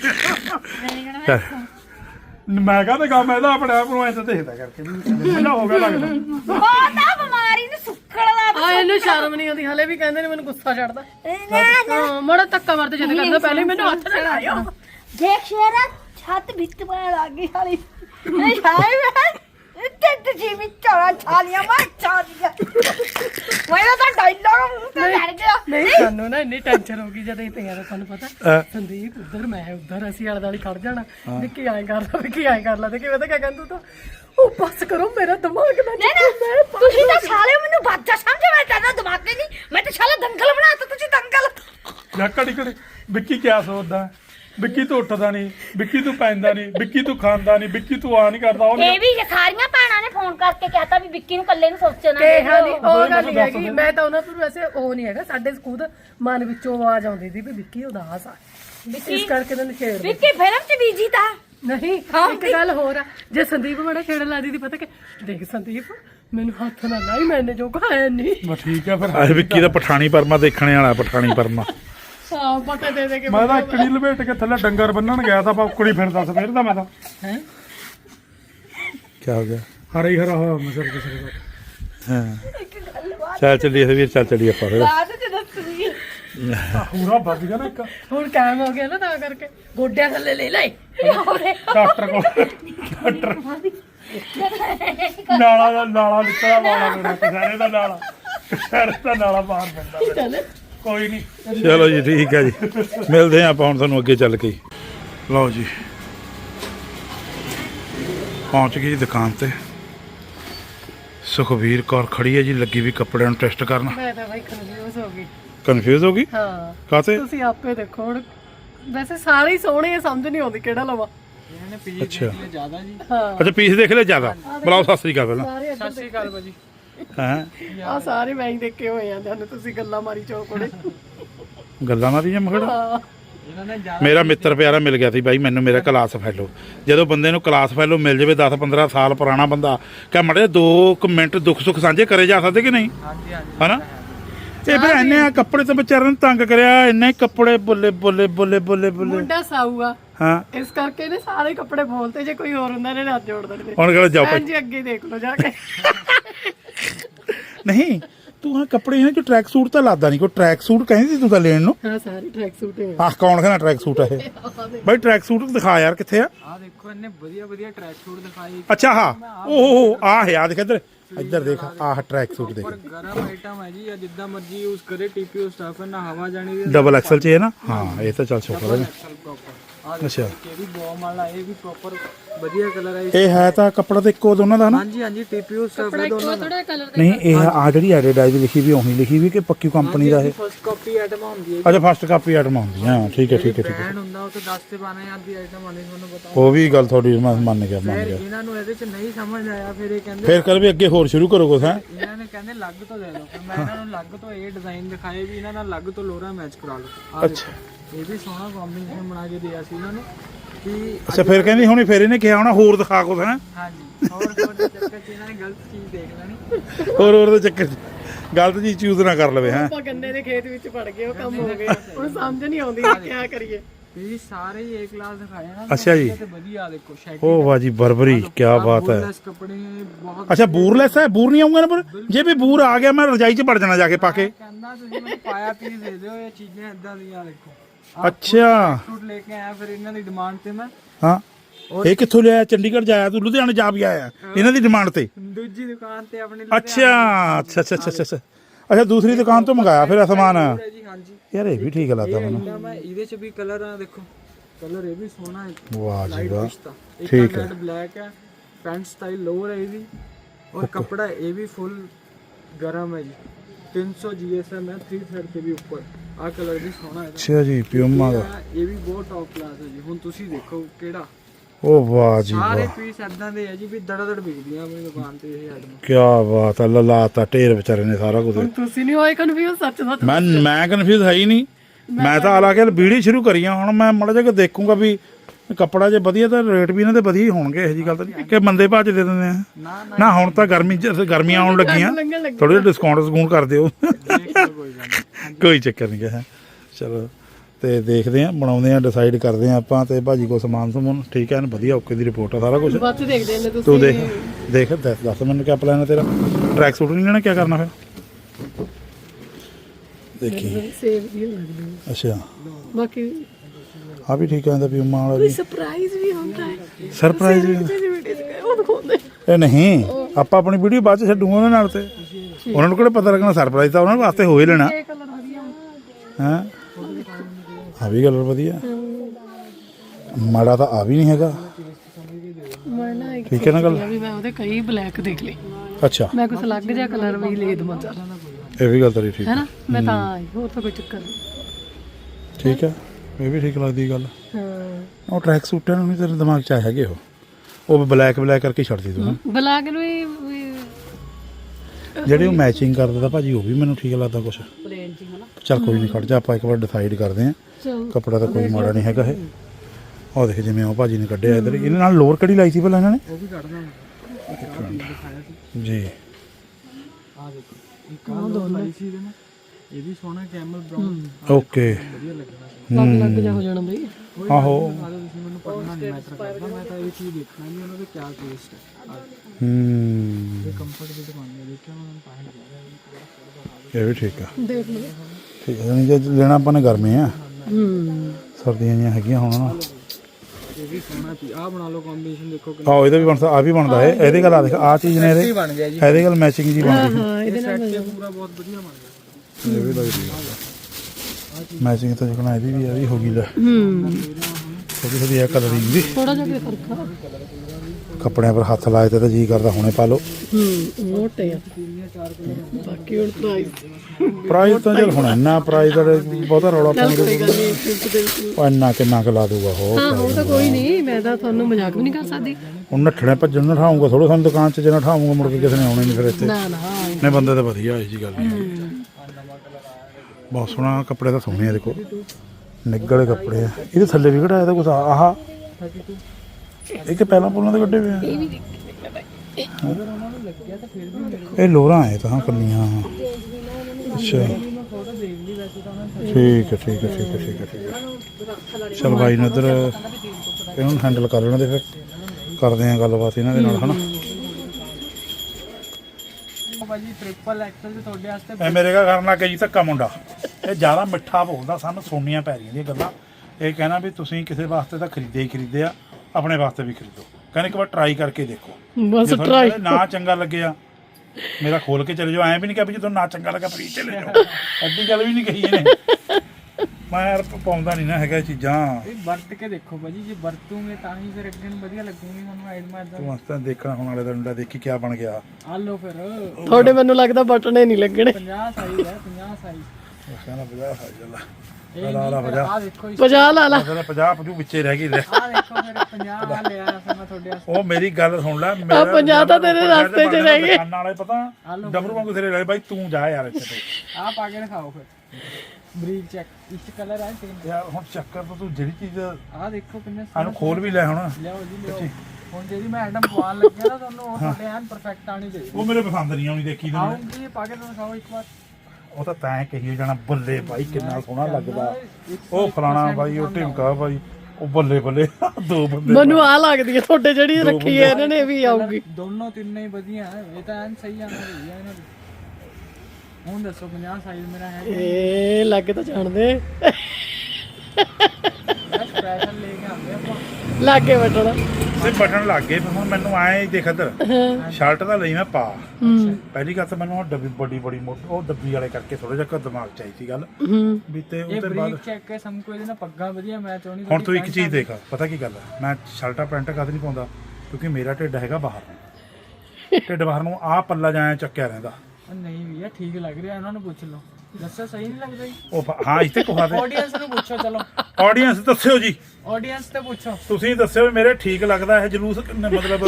ਆ ਮੈਂ ਕਹਿੰਦਾ ਕੰਮ ਇਹਦਾ ਆਪਣੇ ਆਪ ਨੂੰ ਐਂ ਤਾਂ ਦੇਖਦਾ ਕਰਕੇ ਪਹਿਲਾਂ ਹੋ ਗਿਆ ਲੱਗਦਾ ਉਹ ਤਾਂ ਬਿਮਾਰੀ ਨੂੰ ਸੁੱਕਣ ਦਾ ਆ ਇਹਨੂੰ ਸ਼ਰਮ ਨਹੀਂ ਆਉਂਦੀ ਹਲੇ ਵੀ ਕਹਿੰਦੇ ਨੇ ਮੈਨੂੰ ਗੁੱਸਾ ਚੜਦਾ ਨਾ ਹਾਂ ਮੜਾ ਧੱਕਾ ਮਾਰਦੇ ਜਦ ਕਰਦਾ ਪਹਿਲੇ ਮੈਨੂੰ ਹੱਥ ਨਾ ਲਾਇਓ ਦੇਖ ਸ਼ੇਰਾ ਛੱਤ ਵਿੱਤ ਪਾ ਲੱਗੀ ਸਾਲੀ ਨਹੀਂ ਹਾਏ ਮੈਂ ਤੇ ਜੀ ਵਿੱਚ ਚੜਾ ਛਾਲੀਆਂ ਮਾਰ ਛਾਲੀਆਂ ਮੇਰਾ ਤਾਂ ਡਾਇਲੌਗ ਮੂੰਹ ਤੇ ਲੜ ਗਿਆ ਨਹੀਂ ਸਾਨੂੰ ਨਾ ਇੰਨੀ ਟੈਨਸ਼ਨ ਹੋ ਗਈ ਜਦ ਇਹ ਪਿਆ ਤਾਂ ਤੁਹਾਨੂੰ ਪਤਾ ਸੰਦੀਪ ਉੱਧਰ ਮੈਂ ਉੱਧਰ ਅਸੀਂ ਆਲੇ ਦੁਆਲੇ ਖੜ ਜਾਣਾ ਵਿੱਕੀ ਐਂ ਕਰ ਲਾ ਵਿੱਕੀ ਐਂ ਕਰ ਲਾ ਤੇ ਕਿਵੇਂ ਤਾਂ ਕਿਆ ਕਹਿੰਦਾ ਤੂੰ ਉਹ ਬਸ ਕਰੋ ਮੇਰਾ ਦਿਮਾਗ ਨਾ ਨਹੀਂ ਤੁਸੀਂ ਤਾਂ ਸਾਲੇ ਮੈਨੂੰ ਬਾਜਾ ਸਮਝੇ ਮੈਂ ਤੇਰਾ ਦਿਮਾਗ ਹੀ ਨਹੀਂ ਮੈਂ ਤਾਂ ਸਾਲਾ ਦੰਗਲ ਬਣਾਤਾ ਤੁਸੀਂ ਦੰਗਲ ਜਾਂ ਘੜੀ ਘੜੀ ਵਿੱਕੀ ਕਿਆ ਸੋਚਦਾ ਵਿੱਕੀ ਤੂੰ ਉੱਠਦਾ ਨਹੀਂ ਵਿੱਕੀ ਤੂੰ ਪੈਂਦਾ ਨਹੀਂ ਵਿੱਕੀ ਤੂੰ ਖਾਂਦਾ ਨਹੀਂ ਵਿੱਕੀ ਤੂੰ ਆ ਨਹੀਂ ਕਰਦਾ ਉਹ ਇਹ ਵੀ ਸਾਰੀਆਂ ਭੈਣਾਂ ਨੇ ਫੋਨ ਕਰਕੇ ਕਹਿਤਾ ਵੀ ਵਿੱਕੀ ਨੂੰ ਇਕੱਲੇ ਨੂੰ ਸੋਚਣਾ ਕਿਹਾ ਨਹੀਂ ਉਹ ਗੱਲ ਨਹੀਂ ਹੈਗੀ ਮੈਂ ਤਾਂ ਉਹਨਾਂ ਤੋਂ ਵੈਸੇ ਉਹ ਨਹੀਂ ਹੈਗਾ ਸਾਡੇ ਖੁਦ ਮਨ ਵਿੱਚੋਂ ਆਵਾਜ਼ ਆਉਂਦੀ ਸੀ ਵੀ ਵਿੱਕੀ ਉਦਾਸ ਆ ਇਸ ਕਰਕੇ ਤਾਂ ਛੇੜ ਦੇ ਵਿੱਕੀ ਫਿਲਮ 'ਚ ਬੀਜੀ ਤਾਂ ਨਹੀਂ ਇੱਕ ਗੱਲ ਹੋਰ ਆ ਜੇ ਸੰਦੀਪ ਬੜਾ ਛੇੜ ਲਾ ਦੀ ਪਤਾ ਕਿ ਦੇਖ ਸੰਦੀਪ ਮੈਨੂੰ ਹੱਥ ਨਾ ਲਾਈ ਮੈਨੇ ਜੋ ਖਾਇਆ ਨਹੀਂ ਬਸ ਠੀਕ ਆ ਫਿਰ ਅੱਜ ਵਿੱਕੀ ਦਾ ਪਠਾਣੀ ਪਰਮਾ ਦੇਖਣੇ ਵਾਲਾ ਪਠਾਣੀ ਪਰਮਾ ਹਾਂ ਪਤਾ ਦੇ ਦੇ ਕੇ ਮੈਂ ਤਾਂ ਇੱਕੜੀ ਲਪੇਟ ਕੇ ਥੱਲੇ ਡੰਗਰ ਬੰਨਣ ਗਿਆ ਤਾਂ ਪੌਕੜੀ ਫਿਰਦਾ ਸਵੇਰ ਦਾ ਮੈਂ ਤਾਂ ਹੈ ਕੀ ਹੋ ਗਿਆ ਹਰਾ ਹੀ ਹਰਾ ਹੋਇਆ ਮਸਰ ਕਿਸੇ ਦਾ ਹਾਂ ਚੱਲ ਚੱਲੀਏ ਵੀਰ ਚੱਲ ਚੱਲੀਏ ਆਪਾਂ ਫਿਰ ਬਾਅਦ ਚ ਦੱਸੂਗੀ ਪੂਰਾ ਵੱਜ ਗਿਆ ਨਾ ਇੱਕ ਹੁਣ ਕਾਇਮ ਹੋ ਗਿਆ ਨਾ ਤਾਂ ਕਰਕੇ ਗੋਡਿਆਂ ਥੱਲੇ ਲੈ ਲੈ ਡਾਕਟਰ ਕੋਲ ਡਾਕਟਰ ਨਾਲਾ ਨਿਕਲਿਆ ਵਾਲਾ ਮੇਰਾ ਸਾਰੇ ਦਾ ਨਾਲਾ ਬਾਹਰ ਪੈਂਦਾ ਚੱਲ ਕੋਈ ਨਹੀਂ ਚਲੋ ਜੀ ਠੀਕ ਹੈ ਜੀ ਮਿਲਦੇ ਹਾਂ ਆਪਾਂ ਹੁਣ ਤੁਹਾਨੂੰ ਅੱਗੇ ਚੱਲ ਕੇ ਲਓ ਜੀ ਪਹੁੰਚ ਗਏ ਜੀ ਦੁਕਾਨ ਤੇ ਸੁਖਵੀਰ ਕੌਰ ਖੜੀ ਹੈ ਜੀ ਲੱਗੀ ਵੀ ਕੱਪੜਿਆਂ ਨੂੰ ਟੈਸਟ ਕਰਨ ਮੈਂ ਤਾਂ ਬਾਈ ਕਨਫਿਊਜ਼ ਹੋ ਗਈ ਕਨਫਿਊਜ਼ ਹੋ ਗਈ ਹਾਂ ਕਾਤੇ ਤੁਸੀਂ ਆਪੇ ਦੇਖੋ ਹੁਣ ਵੈਸੇ ਸਾਰੇ ਹੀ ਸੋਹਣੇ ਆ ਸਮਝ ਨਹੀਂ ਆਉਂਦੀ ਕਿਹੜਾ ਲਵਾਂ ਅੱਛਾ ਹਾਂ ਅੱਛਾ ਪੀਸ ਦੇਖ ਲੈ ਜ਼ਿਆਦਾ ਬੁਲਾਓ ਸਤਿ ਸ੍ਰੀ ਅਕਾਲ ਪਹਿਲਾਂ ਸਾਰੇ ਸਤਿ ਸ਼੍ਰੀ ਅਕਾਲ ਭਾਜੀ ਹੈਂ ਆ ਸਾਰੇ ਮੈਂ ਹੀ ਦੇਖੇ ਹੋਏ ਆ ਜਾਨੂੰ ਤੁਸੀਂ ਗੱਲਾਂ ਮਾਰੀ ਚੌਕੜੇ ਗੱਲਾਂ ਮਾਰੀਆਂ ਮਖੜ ਹਾਂ ਮੇਰਾ ਮਿੱਤਰ ਪਿਆਰਾ ਮਿਲ ਗਿਆ ਸੀ ਬਾਈ ਮੈਨੂੰ ਮੇਰਾ ਕਲਾਸ ਫੈਲੋ ਜਦੋਂ ਬੰਦੇ ਨੂੰ ਕਲਾਸ ਫੈਲੋ ਮਿਲ ਜਾਵੇ 10-15 ਸਾਲ ਪੁਰਾਣਾ ਬੰਦਾ ਕਹ ਮੜੇ 2 ਮਿੰਟ ਦੁੱਖ ਸੁੱਖ ਸਾਂਝੇ ਕਰੇ ਜਾ ਸਕਦੇ ਕਿ ਨਹੀਂ ਹਨਾ ਇਹ ਫਿਰ ਇੰਨੇ ਆ ਕੱਪੜੇ ਤੇ ਵਿਚਾਰੇ ਨੂੰ ਤੰਗ ਕਰਿਆ ਇੰਨੇ ਕੱਪੜੇ ਬੋਲੇ ਮੁੰਡਾ ਸਾਊਗਾ ਹਾਂ ਇਸ ਕਰਕੇ ਨੇ ਸਾਰੇ ਕੱਪੜੇ ਬੋਲਤੇ ਜੇ ਕੋਈ ਹੋਰ ਹੁੰਦਾ ਇਹਨੇ ਹੱਥ ਜੋੜ ਦੇਣੇ ਹੁਣ ਕਹਿੰਦਾ ਜਾਓ ਭਾਈ ਹਾਂਜੀ ਅੱਗੇ ਦੇਖ ਲਓ ਜਾ ਕੇ ਨਹੀਂ ਤੂੰ ਆ ਕੱਪੜੇ ਇਹਨਾਂ ਚ ਟਰੈਕ ਸੂਟ ਤਾਂ ਲਾਦਾ ਨਹੀਂ ਕੋਈ ਟਰੈਕ ਸੂਟ ਕਹਿੰਦੀ ਸੀ ਤੂੰ ਤਾਂ ਲੈਣ ਨੂੰ ਹਾਂ ਸਾਰੇ ਟਰੈਕ ਸੂਟ ਹੈ ਆਹ ਕੌਣ ਕਹਿੰਦਾ ਟਰੈਕ ਸੂਟ ਆ ਇਹ ਬਾਈ ਟਰੈਕ ਸੂਟ ਦਿਖਾ ਯਾਰ ਕਿੱਥੇ ਆ ਆ ਦੇਖੋ ਇਹਨੇ ਵਧੀਆ ਟਰੈਕ ਸੂਟ ਦਿਖਾਈ ਅੱਛਾ ਹਾਂ ਓਹ ਆਹ ਹੈ ਆ ਦੇਖ ਇੱਧਰ ਦੇਖ ਆਹ ਟਰੈਕ ਸੂਟ ਦੇਖ ਪਰ ਗਰਮ ਆਈਟਮ ਹੈ ਜੀ ਜਾਂ ਜਿੱਦਾਂ ਮਰਜ਼ੀ ਯੂਜ਼ ਕਰੇ ਟੀਪੀਓ ਸਟਾਫ ਹੈ ਨਾ ਹਵਾ ਜਾਣੀ ਦੀ ਡਬਲ ਐਕਸਲ ਚ ਹੈ ਨਾ ਹਾਂ ਇਹ ਤਾਂ ਚੱਲ ਸ਼ੁਕਰ ਹੈ ਅੱਛਾ ਇਹ ਵੀ ਬੋਮ ਵਾਲਾ, ਇਹ ਵੀ ਪ੍ਰੋਪਰ ਵਧੀਆ ਕਲਰ ਹੈ। ਇਹ ਹੈ ਤਾਂ ਕੱਪੜਾ ਤਾਂ ਇੱਕੋ ਦੋਨਾਂ ਦਾ ਨਾ? ਹਾਂਜੀ ਹਾਂਜੀ TPU ਸਟਫ ਹੈ ਦੋਨਾਂ ਦਾ। ਥੋੜਾ ਕਲਰ ਨਹੀਂ ਇਹ ਆ ਜਿਹੜੀ ਐਡਵਰਟਾਈਜ਼ ਲਿਖੀ ਵੀ ਉਹੀ ਲਿਖੀ ਵੀ ਕਿ ਪੱਕੀ ਕੰਪਨੀ ਦਾ ਇਹ? ਫਸਟ ਕਾਪੀ ਆਈਟਮ ਹੁੰਦੀ ਹੈ ਅੱਛਾ ਫਸਟ ਕਾਪੀ ਆਈਟਮ ਹੁੰਦੀ ਹਾਂ, ਠੀਕ ਹੈ ਠੀਕ ਹੈ ਠੀਕ ਹੈ। ਬ੍ਰਾਂਡ ਹੁੰਦਾ ਉਹ ਤੇ 10 ਤੇ 12000 ਦੀ ਆਈਟਮ ਆਣੀ ਤੁਹਾਨੂੰ ਪਤਾ। ਉਹ ਵੀ ਗੱਲ ਤੁਹਾਡੀ ਮੈਂ ਮੰਨ ਗਿਆ ਫਿਰ ਇਹਨਾਂ ਨੂੰ ਇਹਦੇ ਚ ਨਹੀਂ ਸਮਝ ਆਇਆ, ਫਿਰ ਇਹ ਕਹਿੰਦੇ ਫਿਰ ਕਰ ਵੀ ਅੱਗੇ ਹੋਰ ਸ਼ੁਰੂ ਕਰੋ ਕੁਛ ਹੈ। ਇਹਨਾਂ ਨੇ ਕਹਿੰਦੇ ਲੱਗ ਤੋਂ ਲੈ ਲਓ, ਫਿਰ ਮੈਂ ਇਹਨਾਂ ਨੂੰ ਲੱਗ ਤੋਂ ਇਹ ਡਿਜ਼ਾਈਨ ਦਿਖਾਏ ਵੀ ਇਹਨਾਂ ਨਾਲ ਲੱਗ ਤੋਂ ਲੋਰਾ ਮੈਚ ਕਰਾ ਲਓ। ਆਹ ਅੱਛਾ ਦੇਖੋ, ਇਹ ਵੀ ਸੋਹਣਾ ਕੰਬੀਨੇਸ਼ਨ ਬਣਾ ਕੇ ਦਿਆ ਸੀ ਇਹਨਾਂ ਨੂੰ ਕਿ ਅੱਛਾ ਫਿਰ ਕਹਿੰਦੀ ਹੁਣੀ ਫਿਰ ਇਹਨੇ ਕਿਹਾ ਹੋਣਾ ਹੋਰ ਦਿਖਾ ਕੁਛ ਹੈ। ਹਾਂਜੀ ਹੋਰ ਦੇ ਚੱਕਰ ਚ ਇਹਨਾਂ ਨੇ ਗਲਤ ਚੀਜ਼ ਦੇਖ ਲੈਣੀ। ਹੋਰ ਦੇ ਚੱਕਰ 'ਚ ਗਲਤ ਜੀ ਚੂਜ਼ ਨਾ ਕਰ ਲਵੇ ਹੈ। ਆਪਾਂ ਗੰਨੇ ਦੇ ਖੇਤ ਵਿੱਚ ਪੜ ਗਏ, ਉਹ ਕੰਮ ਹੋ ਗਿਆ। ਹੁਣ ਸਮਝ ਨਹੀਂ ਆਉਂਦੀ ਕੀ ਕਰੀਏ। ਇਹ ਸਾਰੇ ਹੀ A ਕਲਾਸ ਦਿਖਾਏ ਨਾ। ਅੱਛਾ ਜੀ। ਤੇ ਵਧੀਆ ਦੇਖੋ ਸ਼ੈਟ ਉਹ ਵਾਹ ਜੀ ਬਰਬਰੀ ਕੀ ਬਾਤ ਹੈ। ਕੱਪੜੇ ਬਹੁਤ ਅੱਛਾ ਬੂਰਲੈਸ ਹੈ, ਬੂਰ ਨਹੀਂ ਆਉਂਗਾ ਨਾ ਪਰ ਜੇ ਵੀ ਬੂਰ ਆ ਗਿਆ ਮੈਂ ਰਜਾਈ 'ਚ ਵੜ ਜਾਣਾ ਜਾ ਕੇ ਪਾ ਕੇ। ਕਹਿੰਦਾ ਤੁਸੀਂ ਮੈਨੂੰ ਪਾਇਆ ਪੀਸ ਦੇ ਦਿਓ, ਇਹ ਚੀਜ਼ਾਂ ਇਦਾਂ ਦੀਆਂ ਦੇਖੋ। ਅੱਛਾ ਸੂਟ ਲੈ ਕੇ ਆਇਆ ਫਿਰ ਇਹਨਾਂ ਦੀ ਡਿਮਾਂਡ ਤੇ ਮੈਂ। ਹਾਂ ਇਹ ਕਿੱਥੋਂ ਲਿਆਇਆ? ਚੰਡੀਗੜ੍ਹ ਜਾਇਆ ਤੂੰ? ਲੁਧਿਆਣੇ ਜਾ ਵੀ ਆਇਆ ਇਹਨਾਂ ਦੀ ਡਿਮਾਂਡ ਤੇ? ਦੂਜੀ ਦੁਕਾਨ ਤੇ ਆਪਣੀ ਅੱਛਾ ਅੱਛਾ ਅੱਛਾ ਅੱਛਾ ਅੱਛਾ ਅੱਛਾ ਦੂਸਰੀ ਦੁਕਾਨ ਤੋਂ ਮੰਗਾਇਆ ਫਿਰ ਇਹ ਸਮਾਨ? ਜੀ ਹਾਂਜੀ। ਯਾਰ ਇਹ ਵੀ ਠੀਕ ਲੱਗਦਾ ਮੈਨੂੰ। ਇਹਦਾ ਮੈਂ ਇਹਦੇ ਚ ਵੀ ਕਲਰ ਆ ਦੇਖੋ, ਕਲਰ ਇਹ ਵੀ ਸੋਹਣਾ ਹੈ। ਵਾਹ ਜੀ ਲਾਈਟ ਵਾਹ ਪਿਸਤਾ ਠੀਕ ਹੈ। ਰੈਡ ਬਲੈਕ ਹੈ, ਪੈਂਟ ਸਟਾਈਲ ਲੋਅਰ ਹੈ ਇਹਦੀ, ਔਰ ਕਪੜਾ ਇਹ ਵੀ ਫੁੱਲ ਗਰਮ ਹੈ ਜੀ। 300 GSM ਹੈ, 3 ਥਰਡ ਤੇ ਵੀ ਉੱਪਰ। ਆ ਕਲਰ ਵੀ ਸੋਹਣਾ ਹੈ। ਅੱਛਾ ਜੀ ਪਿਊਮਾ ਦਾ ਇਹ ਵੀ ਬਹੁਤ ਟੌਪ ਕਲਾਸ ਹੈ ਜੀ। ਹੁਣ ਤੁਸੀਂ ਦੇਖੋ ਕਿਹੜਾ ਉਹ ਵਾਹ ਜੀ ਸਾਰੇ ਵਾਹ ਪੀਸ ਏਦਾਂ ਦੇ ਆ ਜੀ ਵੀ ਦੜਦੜ ਵਿਕਦੀਆਂ ਆਪਣੀ ਦੁਕਾਨ ਤੇ ਇਹ ਆਈਟਮ। ਕੀ ਬਾਤ ਹੈ। ਲਾਤਾ ਢੇਰ ਵਿਚਾਰੇ ਨੇ ਸਾਰਾ ਕੁਝ। ਤੁਸੀਂ ਨਹੀਂ ਹੋਏ ਕਨਫਿਊਜ਼? ਸੱਚ ਸੱਚ ਮੈਂ ਕਨਫਿਊਜ਼ ਹੈ ਹੀ ਨਹੀਂ। ਮੈਂ ਤਾਂ ਆਲਾ ਕੇ ਵੀਡੀਓ ਸ਼ੁਰੂ ਕਰੀਆਂ। ਹੁਣ ਮੈਂ ਮੜਾ ਜਾ ਕੇ ਦੇਖੂੰਗਾ ਵੀ ਕੱਪੜਾ ਜੇ ਵਧੀਆ ਤਾਂ ਰੇਟ ਵੀ ਇਹਨਾਂ ਦੇ ਵਧੀਆ ਹੀ ਹੋਣਗੇ। ਇਹੋ ਜੀ ਗੱਲ ਤਾਂ ਨਹੀਂ ਕਿ ਮੰਦੇ ਭਾਅ 'ਚ ਦੇ ਦਿੰਦੇ ਆ। ਨਾ ਹੁਣ ਤਾਂ ਗਰਮੀਆਂ ਆਉਣ ਲੱਗੀਆਂ, ਥੋੜੇ ਜਿਹਾ ਡਿਸਕਾਊਂਟ ਕਰ ਦਿਓ। ਕੋਈ ਚੱਕਰ ਨਹੀਂ ਹੈ। ਚਲੋ ਤੇ ਦੇਖਦੇ ਆ, ਬਣਾਉਂਦੇ ਆ, ਡਿਸਾਈਡ ਕਰਦੇ ਆ ਆਪਾਂ। ਤੇ ਭਾਜੀ ਕੋ ਸਮਾਨ ਸਮੂਨ ਠੀਕ ਹੈ ਨਾ? ਵਧੀਆ ਓਕੇ ਦੀ ਰਿਪੋਰਟ ਆ ਸਾਰਾ ਕੁਝ। ਬਾਅਦ ਚ ਦੇਖਦੇ ਨੇ ਤੂੰ ਤੁਸੀਂ। ਦੇਖ ਦੱਸ ਮੈਨੂੰ ਕਿਆ ਪਲਾਨ ਹੈ ਤੇਰਾ? ਟਰੈਕ ਸੂਟ ਨਹੀਂ ਲੈਣਾ? ਕਿਆ ਕਰਨਾ ਫਿਰ? ਦੇਖੀ ਸੇਵ ਵੀ ਲੱਗਦੇ। ਅੱਛਾ ਬਾਕੀ ਆ ਵੀ ਠੀਕ ਆਂਦਾ ਪਿਊਮਾ ਵਾਲਾ ਕੋਈ ਵੀ। ਸਰਪ੍ਰਾਈਜ਼ ਵੀ ਹੁੰਦਾ ਹੈ। ਸਰਪ੍ਰਾਈਜ਼ ਵੀ ਜਿਹੜੀ ਵੀਡੀਓ ਚ ਉਹ ਦਿਖਾਉਂਦੇ। ਇਹ ਨਹੀਂ ਆਪਾਂ ਆਪਣੀ ਵੀਡੀਓ ਬਾਅਦ ਚ ਛੱਡੂਗਾ ਉਹਨਾਂ ਨਾਲ। ਤੇ ਉਹਨਾਂ ਨੂੰ ਕਿਹੜਾ ਪਤਾ ਲੱਗਣਾ ਸਰਪ੍ਰਾਈਜ਼ ਤਾਂ ਉਹਨਾਂ ਵਾਸਤੇ ਹੋ ਹੀ ਲੈਣਾ ਇਹ ਕਲਰ ਵਧੀਆ ਹੈ। ਆ ਵੀ ਕਲਰ ਵਧੀਆ, ਮਾੜਾ ਤਾਂ ਆ ਵੀ ਨਹੀਂ ਹੈਗਾ। ਮੈਂ ਨਾ ਇੱਕ ਠੀਕ ਹੈ ਨਾ ਗੱਲ? ਵੀ ਮੈਂ ਉਹਦੇ ਕਈ ਬਲੈਕ ਦੇਖ ਲਈ। ਅੱਛਾ ਮੈਂ ਕੁਛ ਅਲੱਗ ਜਿਹਾ ਕਲਰ ਵੀ ਲੈ ਦਵਾਂ ਚੱਲ, ਇਹ ਵੀ ਗੱਲ ਤੇਰੀ ਠੀਕ ਹੈ ਨਾ? ਮੈਂ ਤਾਂ ਆਈ, ਹੋਰ ਤਾਂ ਕੋਈ ਚੱਕਰ ਨਹੀਂ। ਠੀਕ ਹੈ, ਇਹ ਵੀ ਠੀਕ ਲੱਗਦੀ ਗੱਲ। ਹਾਂ ਉਹ ਟਰੈਕ ਸੂਟਾਂ ਨੂੰ ਨਹੀਂ ਤੇਰੇ ਦਿਮਾਗ 'ਚ ਆਏ ਹੈਗੇ? ਉਹ ਬਲੈਕ ਕਰਕੇ ਛੱਡਦੀ ਤੂੰ। ਬਲੈਕ ਨੂੰ ਵੀ ਜਿਹੜੇ ਉਹ ਮੈਚਿੰਗ ਕਰਦਾ ਤਾਂ ਭਾਜੀ ਉਹ ਵੀ ਮੈਨੂੰ ਠੀਕ ਲੱਗਦਾ ਕੁਛ। ਪਲੇਨ ਜੀ ਹਨਾ। ਚੱਲ ਕੋਈ ਨਹੀਂ, ਖੜ ਜਾ, ਆਪਾਂ ਇੱਕ ਵਾਰ ਡਿਸਾਈਡ ਕਰਦੇ ਹਾਂ। ਚਲ ਕੱਪੜਾ ਤਾਂ ਕੋਈ ਮਾੜਾ ਨਹੀਂ ਹੈਗਾ ਇਹ। ਉਹ ਦੇਖ ਜਿਵੇਂ ਉਹ ਭਾਜੀ ਨੇ ਕੱਢਿਆ ਇੱਧਰ। ਇਹਦੇ ਨਾਲ ਲੋਅਰ ਕਿਹੜੀ ਲਾਈ ਸੀ ਪਹਿਲਾਂ ਇਹਨਾਂ ਨੇ? ਉਹ ਵੀ ਕੱਢਦਾ ਮੈਂ ਦਿਖਾਇਆ ਸੀ ਜੀ ਆ ਦੇਖੋ, ਇੱਕ ਆ ਦੋ ਲਾਈ ਸੀ ਇਹਦੇ ਨਾਲ। ਇਹ ਵੀ ਸੋਹਣਾ ਕੈਮਲ ਬਰਾਊਨ ਓਕੇ। ਵਧੀਆ ਲੱਗਦਾ। ਲੱਗ ਜਾ ਹੋ ਜਾਣਾ ਬਈ। ਆਹੋ ਤੁਸੀਂ ਮੈਨੂੰ ਪੜਨਾ ਨਹੀਂ ਮੈਟਰ ਕਰਦਾ, ਮੈਂ ਤਾਂ ਇਹ ਚੀਜ਼ ਦੇਖਣਾ ਵੀ ਉਹਨਾਂ ਦਾ ਕੀ ਟੇਸਟ ਹੈ। ਇਹ ਕੰਫਰਟ ਦੀ ਦੁਕਾਨ ਹੈ, ਦੇਖਿਆ ਉਹਨਾਂ ਨੂੰ ਪਾਣੀ ਦੇ ਰਿਹਾ। ਇਹ ਵੀ ਠੀਕ ਆ। ਦੇਖ ਲਓ। ਠੀਕ ਹੈ, ਯਾਨੀ ਜੇ ਲੈਣਾ ਆਪਾਂ ਨੇ ਗਰਮੀ ਆ, ਸਰਦੀਆਂ ਜੀਆਂ ਹੈਗੀਆਂ ਹੁਣ ਨਾ। ਇਹ ਵੀ ਸੋਹਣਾ ਸੀ। ਆ ਬਣਾ ਲਓ ਕੰਬੀਨੇਸ਼ਨ, ਦੇਖੋ ਆਹ ਇਹਦਾ ਵੀ ਬਣਦਾ, ਆ ਵੀ ਬਣਦਾ ਹੈ। ਇਹਦੇ ਗੱਲ ਆ ਦੇਖ, ਆ ਚੀਜ਼ ਨੇ ਇਹਦੇ ਬਣ ਗਿਆ ਜੀ। ਇਹਦੇ ਗੱਲ ਮੈਚਿੰਗ ਜੀ ਬਣਦੀ। ਹਾਂ ਇਹਦੇ ਨਾਲ ਇਹ ਪੂਰਾ ਬਹੁਤ ਵਧੀਆ ਬਣ ਗਿਆ। ਇਹ ਵੀ ਲੱਗਦੀ ਮੈਚਿੰਗ ਤਾਂ ਜਿਕਣਾ ਇਹਦੀ ਵੀ ਆ ਵੀ ਹੋ ਗਈ ਲੈ। ਥੋੜੀ ਥੋੜੀ ਆ ਕਲਰਿੰਗ ਦੀ ਥੋੜਾ ਜਿਹਾ ਫਰਕ ਆ। ਕੱਪੜਿਆਂ ਪਰ ਹੱਥ ਲਾਏ ਤੇ ਤਾਂ ਜੀ ਕਰਦਾ ਹੁਣੇ ਪਾ ਲਓ। ਮੋਟੇ ਆ ਬਾਕੀ ਹੁਣ ਪ੍ਰਾਈਸ ਤਾਂ ਚੱਲ ਹੁਣ ਇੰਨਾ ਪ੍ਰਾਈਸ ਦਾ ਬਹੁਤਾ ਰੌਲਾ ਪਾਉਂਦੇ ਕੋਈ ਗੱਲ ਨਹੀਂ। ਬਿਲਕੁਲ। ਉਹ ਇੰਨਾ ਕਿੰਨਾ ਕੁ ਲਾ ਦੂਗਾ ਉਹ। ਹਾਂ ਉਹ ਤਾਂ ਕੋਈ ਨਹੀਂ, ਮੈਂ ਤਾਂ ਤੁਹਾਨੂੰ ਮਜ਼ਾਕ ਵੀ ਨਹੀਂ ਕਰ ਸਕਦੀ। ਹੁਣ ਨੱਠਣੇ ਭੱਜਣ ਨਠਾਉਂਗਾ ਥੋੜਾ, ਸਾਨੂੰ ਦੁਕਾਨ 'ਚ ਜੇ ਨਠਾਉਂਗਾ ਮੁੜ ਕੇ ਕਿਸੇ ਨੇ ਆਉਣਾ ਨਹੀਂ ਫਿਰ ਇੱਥੇ। ਨਾ ਨਾ ਨੇ ਬੰਦੇ ਤਾਂ ਵਧੀਆ ਇਹ ਜੀ ਗੱਲ ਨਹੀਂ। ਬਹੁਤ ਸੋਹਣਾ ਕੱਪੜੇ ਤਾਂ ਸੋਹਣੇ ਆ, ਦੇਖੋ ਨਿੱਗਲੇ ਕੱਪੜੇ ਆ। ਇਹਦੇ ਥੱਲੇ ਵੀ ਕਢਾਇਆ ਤਾਂ ਕੁਛ ਆਹ ਇਹ ਕਿ ਪਹਿਲਾਂ ਪੁਲਾਂ ਦੇ ਕੱਢੇ ਹੋਏ ਆ। ਇਹ ਲੋਰਾਂ ਹੈ ਤਾਂ ਕੱਲੀਆਂ। ਅੱਛਾ ਠੀਕ ਹੈ ਠੀਕ ਹੈ ਠੀਕ ਹੈ ਠੀਕ ਹੈ ਠੀਕ ਹੈ। ਚਲ ਬਾਈ ਨੂੰ ਇੱਧਰ ਇਹਨੂੰ ਹੈਂਡਲ ਕਰ ਲੈਣਾ ਤੇ ਫਿਰ ਕਰਦੇ ਆ ਗੱਲਬਾਤ ਇਹਨਾਂ ਦੇ ਨਾਲ, ਹਨਾ? ਭਾਜੀ ਟ੍ਰਿਪਲ ਐਕਸਲ ਤੇ ਤੁਹਾਡੇ ਵਾਸਤੇ ਇਹ ਮੇਰੇ ਕਾ ਕਰਨ ਲੱਗੇ ਜੀ ਧੱਕਾ ਮੁੰਡਾ। ਇਹ ਜ਼ਿਆਦਾ ਮਿੱਠਾ ਬੋਲਦਾ, ਸਾਨੂੰ ਸੁਣਨੀਆਂ ਪੈ ਰਹੀਆਂ ਦੀਆਂ ਗੱਲਾਂ। ਇਹ ਕਹਿਣਾ ਵੀ ਤੁਸੀਂ ਕਿਸੇ ਵਾਸਤੇ ਤਾਂ ਖਰੀਦੇ ਹੀ ਖਰੀਦੇ ਆ, ਆਪਣੇ ਵਾਸਤੇ ਵੀ ਖਰੀਦੋ। ਕਹਿੰਦੇ ਇੱਕ ਵਾਰ ਟਰਾਈ ਕਰਕੇ ਦੇਖੋ, ਬਸ ਜੇ ਤੁਹਾਨੂੰ ਟਰਾਈ ਨਾ ਚੰਗਾ ਲੱਗਿਆ ਮੇਰਾ ਖੋਲ ਕੇ ਚਲੇ ਜਾਓ। ਐਂ ਵੀ ਨਹੀਂ ਕਿਹਾ ਵੀ ਜਦੋਂ ਨਾ ਚੰਗਾ ਲੱਗਾ ਪਲੀਜ਼ ਚਲੇ ਜਾਓ। ਐਡੀ ਗੱਲ ਵੀ ਨਹੀਂ ਕਹੀ ਇਹਨੇ। ਮੈਂ ਯਾਰ ਪਾਉਂਦਾ ਨਹੀਂ ਨਾ ਹੈਗਾ ਇਹ ਚੀਜ਼ਾਂ। ਇਹ ਵਰਤ ਕੇ ਦੇਖੋ ਭਾਜੀ, ਜੇ ਵਰਤੂਗੇ ਤਾਂ ਹੀ ਫਿਰ ਅੱਗੇ ਨੂੰ ਵਧੀਆ ਲੱਗੂਗੀ ਤੁਹਾਨੂੰ ਆਈਟਮਾਂ ਇਦਾਂ। ਤੂੰ ਅਸਤਾਂ ਦੇਖਣਾ ਹੁਣ ਵਾਲੇ ਦਾ ਡੰਡਾ ਦੇਖੀ ਕਿਆ ਬਣ ਗਿਆ। ਆ ਲਓ ਫਿਰ ਤੁਹਾਡੇ ਮੈਨੂੰ ਲੱਗਦਾ ਬਟਨੇ ਨਹੀਂ ਲੱਗਣੇ। 50 ਸਾਈਜ਼ ਹੈ, 50 ਸਾਈਜ਼। ਉਹ ਕਹਿੰਦਾ 50 ਹੈ ਚੱਲ ਇਹ ਨਹੀਂ ਆ ਦੇਖੋ 50 ਲਾ ਲਾ। ਕਹਿੰਦਾ 50 50 ਵਿੱਚੇ ਰਹਿ ਗਈ ਲੈ। ਆ ਦੇਖੋ ਫਿਰ 50 ਆ ਲਿਆ ਫਿਰ ਮੈਂ ਤੁਹਾਡੇ ਵਾਸਤੇ। ਉਹ ਮੇਰੀ ਗੱਲ ਸੁਣ ਲੈ, 50 ਤਾਂ ਤੇਰੇ ਰਸਤੇ 'ਚ ਰਹਿ ਗਏ। ਦੁਕਾਨਾਂ ਵਾਲੇ ਪਤਾ ਡਬਰੂ ਵਾਂਗੂ ਤੇਰੇ ਲੈ ਬਾਈ, ਤੂੰ ਜਾ ਯਾਰ ਇੱਥੇ ਤੇ। ਆ ਪਾ ਕੇ ਦਿਖਾਓ ਫਿਰ ਬਰੀਕ ਚੈੱਕ ਇਸ ਕਲਰ ਹੈ ਤਿੰਨ। ਯਾਰ ਹੁਣ ਚੱਕਰ ਤਾਂ ਤੂੰ ਜਿਹੜੀ ਚੀਜ਼ ਆ ਦੇਖੋ ਕਿੰਨੇ ਸਾਨੂੰ ਖੋਲ ਵੀ ਲੈ ਹੁਣ। ਲਿਆਓ ਜੀ ਲਿਆਓ। ਹੁਣ ਜਿਹੜੀ ਮੈਂ ਆਈਟਮ ਪਵਾਉਣ ਲੱਗਿਆ ਨਾ ਤੁਹਾਨੂੰ ਉਹ ਤੁਹਾਡੇ ਐਨ ਪਰਫੈਕਟ ਆਣੀ ਚਾਹੀਦੀ। ਉਹ ਮੇਰੇ ਪਸੰਦ ਨਹੀਂ ਆਉਣੀ ਦੇਖੀ ਤੂੰ। ਆਉਂਗੀ ਪਾ ਕੇ ਤੁਹਾਨੂੰ ਦਿਖਾਓ ਇੱਕ ਵਾਰ। ਉਹ ਤਾਂ ਤੈਂ ਕਹੀ ਜਾਣਾ ਬੱਲੇ ਬਾਈ ਕਿੰਨਾ ਸੋਹਣਾ ਲੱਗਦਾ, ਉਹ ਫਲਾਣਾ ਬਾਈ, ਉਹ ਢਿਮਕਾ ਬਾਈ, ਉਹ ਬੱਲੇ ਬੱਲੇ ਦੋ ਬੰਦੇ। ਮੈਨੂੰ ਆ ਲੱਗਦੀ ਹੈ ਤੁਹਾਡੇ ਜਿਹੜੀ ਰੱਖੀ ਹੈ ਇਹਨਾਂ ਨੇ ਇਹ ਵੀ ਆਊਗੀ। ਦੋਨੋਂ ਤਿੰਨੇ ਹੀ ਵਧੀਆ ਹੈ, ਇਹ ਤਾਂ ਐਨ ਸਹੀ ਆਣਾ ਰਹੀ ਹੈ ਇਹਨਾਂ ਦੀ। ਹੁਣ ਦੱਸੋ 50 ਸਾਈਜ਼ ਮੇਰਾ ਹੈ ਇਹ ਲੱਗ ਤਾਂ ਜਾਣਦੇ ਸਪੈਸ਼ਲ ਲੈ ਕੇ ਆਉਂਦੇ ਆਪਾਂ। ਲਾਗੇ ਬਟਣਾ। ਤੇ ਬਟਨ ਲੱਗ ਗਏ ਹੁਣ ਮੈਨੂੰ ਆਏ ਦੇਖ ਇੱਧਰ ਸ਼ਰਟ ਤਾਂ ਲਈ ਮੈਂ ਪਾ। ਪਹਿਲੀ ਗੱਲ ਤਾਂ ਮੈਨੂੰ ਉਹ ਡੱਬੀ ਬੜੀ ਮੋਟੀ ਉਹ ਡੱਬੀ ਵਾਲੇ ਕਰਕੇ ਥੋੜਾ ਜਿਹਾ ਦਿਮਾਗ ਚ ਆਈ ਸੀ ਗੱਲ ਵੀ ਤੇ ਇਹ ਉਹਦੇ ਬਾਅਦ ਬਰੀਕ ਚੈੱਕ ਕੇ ਸਮ ਕੋਈ ਇਹਦੇ ਨਾਲ ਪੱਗਾਂ ਵਧੀਆ ਮੈਂ ਚਾਹੁੰਦੀ। ਹੁਣ ਤੂੰ ਇੱਕ ਚੀਜ਼ ਦੇਖ, ਪਤਾ ਕੀ ਗੱਲ ਹੈ, ਮੈਂ ਸ਼ਰਟਾਂ ਪੈਂਟ ਕਦ ਨਹੀਂ ਪਾਉਂਦਾ ਕਿਉਂਕਿ ਮੇਰਾ ਢਿੱਡ ਹੈਗਾ ਬਾਹਰ ਨੂੰ। ਢਿੱਡ ਬਾਹਰ ਨੂੰ ਆਹ ਪੱਲਾ ਜਾਇਆ ਚੱਕਿਆ ਰਹਿੰਦਾ। ਨਹੀਂ ਵੀ ਠੀਕ ਲੱਗ ਰਿਹਾ, ਉਹਨਾਂ ਨੂੰ ਪੁੱਛ ਲਓ। ਦੱਸੋ ਸਹੀ ਨਹੀਂ ਲੱਗਦਾ ਜੀ? ਉਹ ਹਾਂ ਇੱਥੇ ਕੋਹਾ ਦੇ ਆਡੀਅנס ਨੂੰ ਪੁੱਛੋ। ਚਲੋ ਆਡੀਅנס ਦੱਸਿਓ ਜੀ, ਆਡੀਅנס ਤੇ ਪੁੱਛੋ। ਤੁਸੀਂ ਦੱਸਿਓ ਵੀ ਮੇਰੇ ਠੀਕ ਲੱਗਦਾ ਇਹ ਜਲੂਸ ਮਤਲਬ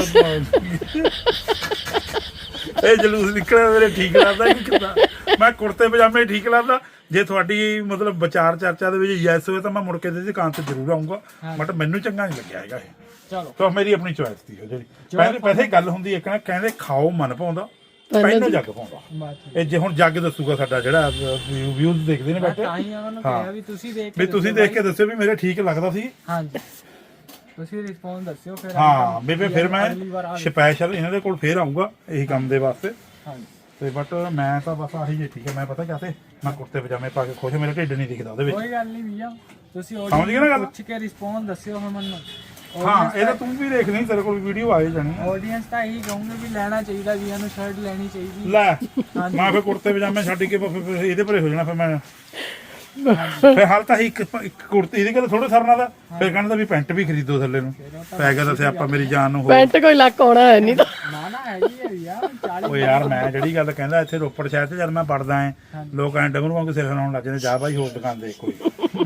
ਇਹ ਜਲੂਸ ਨਿਕਲਿਆ ਮੇਰੇ ਠੀਕ ਲੱਗਦਾ ਕਿ ਕਿੱਦਾਂ। ਮੈਂ ਕੁੜਤੇ ਪਜਾਮੇ ਠੀਕ ਲੱਗਦਾ। ਜੇ ਤੁਹਾਡੀ ਮਤਲਬ ਵਿਚਾਰ ਚਰਚਾ ਦੇ ਵਿੱਚ ਯੈਸ ਹੋਵੇ ਤਾਂ ਮੈਂ ਮੁੜ ਕੇ ਇਹਦੀ ਦੁਕਾਨ ਤੇ ਜ਼ਰੂਰ ਆਉਂਗਾ, ਬਟ ਮੈਨੂੰ ਚੰਗਾ ਨਹੀਂ ਲੱਗਿਆ ਹੈਗਾ ਇਹ। ਚਲੋ ਤਾਂ ਮੇਰੀ ਆਪਣੀ ਚੋਇਸ ਸੀ ਉਹ ਜਿਹੜੀ ਪਹਿਲੇ ਗੱਲ ਹੁੰਦੀ ਹੈ ਕਿ ਕਹਿੰਦੇ ਖਾਓ ਮਨ ਪਾਉਂਦਾ ਪਹਿਲਾਂ ਜੱਗ ਪਾਉਂਦਾ। ਬਾਤ ਇਹ ਜੇ ਹੁਣ ਜੱਗ ਦੱਸੂਗਾ ਸਾਡਾ ਜਿਹੜਾ ਵਿਊਜ਼ ਦੇਖਦੇ ਨੇ ਬੈਠੇ, ਤਾਂ ਹੀ ਉਹਨਾਂ ਨੂੰ ਕਿਹਾ ਵੀ ਤੁਸੀਂ ਦੇਖ ਵੀ ਤੁਸੀਂ ਦੇਖ ਕੇ ਦੱਸਿਓ ਵੀ ਮੇਰੇ ਠੀਕ ਲੱਗਦਾ ਸੀ। ਹਾਂਜੀ ਤੁਸੀਂ ਰਿਸਪੌਂਸ ਦੱਸਿਓ ਫਿਰ। ਹਾਂ ਬੇਬੇ ਫਿਰ ਮੈਂ ਅਗਲੀ ਵਾਰ ਆ ਸਪੈਸ਼ਲ ਇਹਨਾਂ ਦੇ ਕੋਲ ਫੇਰ ਆਉਂਗਾ ਇਹੀ ਕੰਮ ਦੇ ਵਾਸਤੇ। ਹਾਂਜੀ ਤੇ ਬਟ ਮੈਂ ਤਾਂ ਬਸ ਆਹੀ ਜੇ ਠੀਕ ਹੈ। ਮੈਂ ਪਤਾ ਕਿਆ ਤੇ ਮੈਂ ਕੁੜਤੇ ਪਜਾਮੇ ਪਾ ਕੇ ਖੁਸ਼, ਮੇਰਾ ਢਿੱਡ ਨਹੀਂ ਦਿਖਦਾ ਉਹਦੇ ਵਿੱਚ। ਕੋਈ ਗੱਲ ਨਹੀਂ ਵੀਆ, ਤੁਸੀਂ ਸਮਝ ਗਏ ਨਾ ਗੱਲ? ਪੁੱਛ ਕੇ ਰਿਸਪੌਂਸ ਦੱਸਿਓ ਹੁਣ ਮੈਨੂੰ। ਹਾਂ ਇਹ ਤਾਂ ਤੂੰ ਵੀ ਦੇਖ ਲਈ, ਤੇਰੇ ਕੋਲ ਵੀਡੀਓ ਆਏ ਜਾਣੀ ਆ। ਆਡੀਅנס ਤਾਂ ਇਹੀ ਕਹੂੰਗੇ ਵੀ ਲੈਣਾ ਚਾਹੀਦਾ ਵੀਆਂ ਨੂੰ, ਸ਼ਰਟ ਲੈਣੀ ਚਾਹੀਦੀ। ਲੈ ਮੈਂ ਫਿਰ ਕੁੜਤੇ ਪਜਾਮੇ ਛੱਡ ਕੇ ਫਿਰ ਇਹਦੇ ਭਰੇ ਹੋ ਜਾਣਾ। ਫਿਰ ਮੈਂ ਫਿਰ ਹਾਲ ਤਾਂ ਇੱਕ ਕੁੜਤੀ ਇਹਦੀ ਗੱਲ ਥੋੜਾ ਸਰਨਾ ਦਾ, ਫਿਰ ਕਹਿੰਦਾ ਵੀ ਪੈਂਟ ਵੀ ਖਰੀਦੋ ਥੱਲੇ ਨੂੰ। ਪੈ ਗਿਆ ਤਾਂ ਸਿਆਪਾ ਮੇਰੀ ਜਾਨ ਨੂੰ। ਪੈਂਟ ਕੋਈ ਲੱਕ ਆਉਣਾ ਹੈ ਨਹੀਂ ਤਾਂ। ਨਾ ਹੈਗੀ ਹੈ ਵੀਆ 40। ਓ ਯਾਰ ਮੈਂ ਜਿਹੜੀ ਗੱਲ ਕਹਿੰਦਾ ਇੱਥੇ ਰੋਪੜ ਸ਼ਹਿਰ 'ਚ ਜਦ ਮੈਂ ਪੜਦਾ ਐ ਲੋਕ ਐਂ ਡੰਗਰੂ ਵਾਂਗੂ ਸਿਰ ਹਿਲਾਉਣ ਲੱਗ ਜਾਂਦੇ, ਜਾ ਬਾਈ ਹੋਰ ਦੁਕਾਨ ਦੇਖ ਕੋਈ।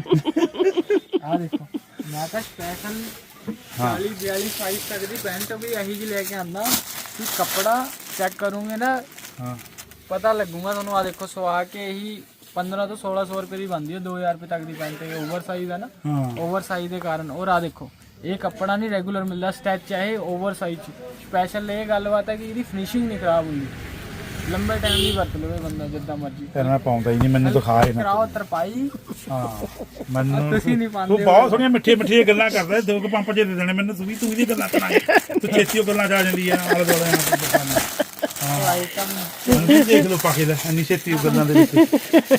ਆ ਦੇਖੋ ਮੈਂ ਤਾਂ ਸਪੈਸ਼ਲ 40-42 ਸਾਈਜ਼ ਤੱਕ ਦੀ ਪੈਂਟ ਵੀ ਇਹੀ ਜਿਹੀ ਲੈ ਕੇ ਆਂਦਾ ਕਿ ਕੱਪੜਾ ਚੈੱਕ ਕਰੂੰਗੇ ਨਾ ਹਾਂ ਪਤਾ ਲੱਗੂਗਾ ਤੁਹਾਨੂੰ। ਆ ਦੇਖੋ ਸਵਾ ਕੇ ਇਹੀ 1500 ਤੋਂ 1600 ਰੁਪਏ ਦੀ ਬਣਦੀ ਹੈ, 2000 ਰੁਪਏ ਤੱਕ ਦੀ ਪੈਂਟ। ਇਹ ਓਵਰ ਸਾਈਜ਼ ਹੈ ਨਾ, ਹਾਂ ਓਵਰ ਸਾਈਜ਼ ਦੇ ਕਾਰਨ। ਔਰ ਆ ਦੇਖੋ ਇਹ ਕੱਪੜਾ ਨਹੀਂ ਰੈਗੂਲਰ ਮਿਲਦਾ, ਸਟੈਚ ਹੈ ਇਹ ਓਵਰ ਸਾਈਜ਼ ਸਪੈਸ਼ਲ। ਇਹ ਗੱਲਬਾਤ ਹੈ ਕਿ ਇਹਦੀ ਫਿਨਿਸ਼ਿੰਗ ਨਹੀਂ ਖਰਾਬ ਹੁੰਦੀ, ਲੰਬੇ ਟਾਈਮ ਦੀ ਵਰਤ ਲਵੇ ਬੰਦਾ ਜਿੱਦਾਂ ਮਰਜ਼ੀ। ਤੇਰੇ ਨਾਲ ਪਾਉਂਦਾ ਹੀ ਨਹੀਂ, ਮੈਨੂੰ ਦਿਖਾ ਹੀ ਨਾ। ਕਰਾਓ ਤਰਪਾਈ। ਹਾਂ ਮੈਨੂੰ ਤੁਸੀਂ ਨਹੀਂ ਪਾਉਂਦੇ। ਤੂੰ ਬਹੁਤ ਸੋਹਣੀਆਂ ਮਿੱਠੀਆਂ ਗੱਲਾਂ ਕਰਦਾ, ਦੋ ਕੁ ਪੰਪ ਜੇ ਦੇ ਦੇਣੇ ਮੈਨੂੰ। ਤੂੰ ਇਹਦੀ ਗੱਲਾਂ ਕਰਾਂਗੇ, ਤੂੰ ਛੇਤੀ ਉਹ ਗੱਲਾਂ ਜਾ ਜਾਂਦੀ ਆ ਆਲੇ ਦੁਆਲੇ ਨਾਲ। ਆਈਟਮ ਦੇਖ ਲਓ ਪਾ ਕੇ ਲੈ ਇੰਨੀ ਛੇਤੀ ਉਹ ਗੱਲਾਂ ਦੇ ਵਿੱਚ।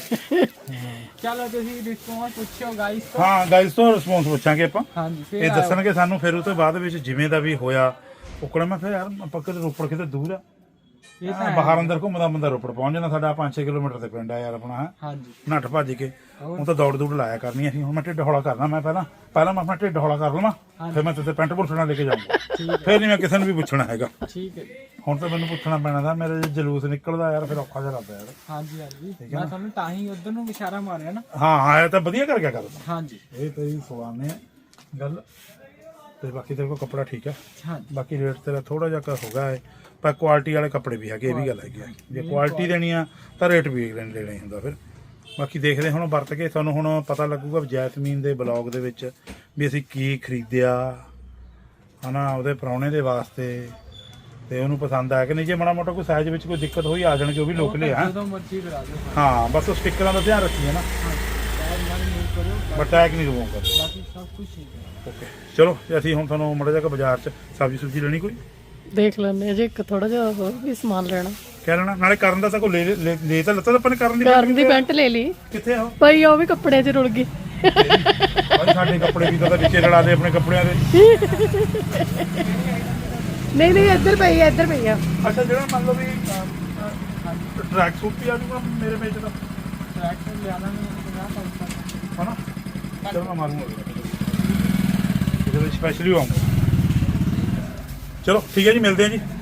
ਚਲੋ ਤੁਸੀਂ ਰਿਸਪੌਂਸ ਪੁੱਛਿਓ ਗਾਈਸ ਤੋਂ। ਹਾਂ ਗਾਈਸ ਤੋਂ ਰਿਸਪੌਂਸ ਪੁੱਛਾਂਗੇ ਆਪਾਂ, ਹਾਂਜੀ ਫਿਰ ਇਹ ਦੱਸਣਗੇ ਸਾਨੂੰ। ਫਿਰ ਉਹ ਤੋਂ ਬਾਅਦ ਵਿੱਚ ਜਿਵੇਂ ਦਾ ਵੀ ਹੋਇਆ ਉਕੜਾ ਮੈਂ ਫਿਰ ਯਾਰ ਆਪਾਂ ਕਿਤੇ ਰੋਪੜ ਕਿਤੇ ਦੂਰ ਆ, ਇਹ ਤਾਂ ਬਾਹਰ ਅੰਦਰ ਘੁੰਮਦਾ ਬੰਦਾ ਰੋਪੜ ਪਹੁੰਚ ਜਾਂਦਾ। ਸਾਡਾ 5-6 ਕਿਲੋਮੀਟਰ ਤੇ ਪਿੰਡ ਆ ਯਾਰ ਆਪਣਾ। ਹਾਂਜੀ ਨੱਠ ਭੱਜ ਕੇ ਉਹ ਤਾਂ ਦੌੜ ਲਾਇਆ ਕਰਨੀ ਅਸੀਂ। ਹੁਣ ਮੈਂ ਢਿੱਡ ਹੌਲਾ ਕਰਨਾ, ਮੈਂ ਪਹਿਲਾਂ ਮੈਂ ਆਪਣਾ ਢਿੱਡ ਹੌਲਾ ਕਰ ਲਵਾਂ, ਫਿਰ ਮੈਂ ਤੇ ਪੈਂਟ ਪੁੱਛਣਾ ਲੈ ਕੇ ਜਾਊਂਗਾ। ਫਿਰ ਨਹੀਂ ਮੈਂ ਕਿਸੇ ਨੂੰ ਵੀ ਪੁੱਛਣਾ ਹੈਗਾ। ਠੀਕ ਹੈ। ਹੁਣ ਤਾਂ ਮੈਨੂੰ ਪੁੱਛਣਾ ਪੈਣਾ ਦਾ, ਮੇਰੇ ਜੇ ਜਲੂਸ ਨਿਕਲਦਾ ਯਾਰ ਫਿਰ ਔਖਾ ਜਿਹਾ ਲੱਗਦਾ ਯਾਰ। ਹਾਂਜੀ ਹਾਂਜੀ ਮੈਂ ਤੁਹਾਨੂੰ ਤਾਂ ਹੀ ਉਧਰ ਨੂੰ ਇਸ਼ਾਰਾ ਮਾਰਿਆ ਨਾ। ਹਾਂ ਇਹ ਤਾਂ ਵਧੀਆ ਕਰ ਗਿਆ ਗੱਲ। ਹਾਂਜੀ ਇਹ ਤੇਰੀ ਸਵਾਨੇ ਗੱਲ। ਤੇ ਬਾਕੀ ਤੇਰੇ ਕੋਲ ਕੱਪੜਾ ਠੀਕ ਹੈ। ਹਾਂਜੀ ਬਾਕੀ ਰੇਟ ਤੇਰਾ ਥੋੜਾ ਜਿਹਾ ਹੋਗਾ ਹੈ, ਪਰ ਕੁਆਲਿਟੀ ਵਾਲੇ ਕੱਪੜੇ ਵੀ ਹੈਗੇ, ਇਹ ਵੀ ਗੱਲ ਹੈਗੀ ਆ। ਜੇ ਕੁਆਲਿਟੀ ਦੇਣੀ ਆ ਤਾਂ ਰੇਟ ਵੀ ਲੈਣਾ ਹੀ ਹੁੰਦਾ ਫਿਰ। ਬਾਕੀ ਦੇਖਦੇ ਹੁਣ ਵਰਤ ਕੇ ਤੁਹਾਨੂੰ ਹੁਣ ਪਤਾ ਲੱਗੂਗਾ ਜੈਸਮੀਨ ਦੇ ਬਲੌਗ ਦੇ ਵਿੱਚ ਵੀ ਅਸੀਂ ਕੀ ਖਰੀਦਿਆ ਹਨਾ ਉਹਦੇ ਪ੍ਰਾਹੁਣੇ ਦੇ ਵਾਸਤੇ, ਤੇ ਉਹਨੂੰ ਪਸੰਦ ਆਇਆ ਕਿ ਨਹੀਂ। ਜੇ ਮਾੜਾ ਮੋਟਾ ਕੋਈ ਸਾਈਜ਼ ਵਿੱਚ ਕੋਈ ਦਿੱਕਤ ਹੋਈ ਆ ਜਾਣਗੇ, ਉਹ ਵੀ ਲੋਕ ਲਿਆ। ਜਦੋਂ ਮਰਜ਼ੀ ਕਰਾ ਦਿਓ। ਹਾਂ ਬਸ ਉਹ ਸਟਿੱਕਰਾਂ ਦਾ ਧਿਆਨ ਰੱਖੀਏ ਨਾ, ਟੈਗ ਨਾਲ ਨਹੀਂ ਕਰਿਓ, ਬਟ ਟੈਗ ਨਹੀਂ ਲਵਾਉਂਗਾ। ਬਾਕੀ ਸਭ ਕੁਝ ਠੀਕ ਹੈ। ਓਕੇ ਚਲੋ ਅਸੀਂ ਹੁਣ ਤੁਹਾਨੂੰ ਮਾੜਾ ਜਿਹਾ ਬਾਜ਼ਾਰ 'ਚ ਸਬਜ਼ੀ ਸੁਬਜ਼ੀ ਲੈਣੀ ਕੋਈ ਦੇਖ ਲੈਣੇ ਅਜੇ ਇੱਕ ਥੋੜਾ ਜਿਹਾ ਹੋਰ ਵੀ ਸਮਾਨ ਲੈਣਾ। ਕਹਿ ਲੈਣਾ ਨਾਲੇ ਕਰਨ ਦਾ ਤਾਂ ਕੋਈ ਲੈ ਤਾਂ ਲੱਤਾ ਤਾਂ ਆਪਾਂ ਨੇ ਕਰਨ ਦੀ ਪੈਂਟ ਲੈ ਲਈ ਕਿੱਥੇ ਆ ਉਹ? ਪਈ ਉਹ ਵੀ ਕੱਪੜੇ 'ਚ ਰੁੜ ਗਈ। ਭਾਈ ਸਾਡੇ ਕੱਪੜੇ ਵੀ ਤਾਂ ਵਿੱਚੇ ਰਲਾ ਦੇ ਆਪਣੇ ਕੱਪੜਿਆਂ ਦੇ। ਨਹੀਂ ਇੱਧਰ ਪਈ ਆ ਅੱਛਾ ਜਿਹੜਾ ਮੰਨ ਲਓ ਵੀ ਟਰੈਕ ਸੂਟ ਵੀ ਆ ਜੂਗਾ ਮੇਰੇ ਵਿੱਚ ਦਾ ਟਰੈਕ ਲਿਆਣਾ ਨਹੀਂ 50 ਪੈਸੇ ਹਨਾ। ਚਲੋ ਮੈਂ ਮਾਰੂੰਗਾ ਇਹਦੇ ਵਿੱਚ ਸਪੈਸ਼ਲੀ ਆਉਂਗਾ। ਚਲੋ ਠੀਕ ਹੈ ਜੀ, ਮਿਲਦੇ ਆ ਜੀ।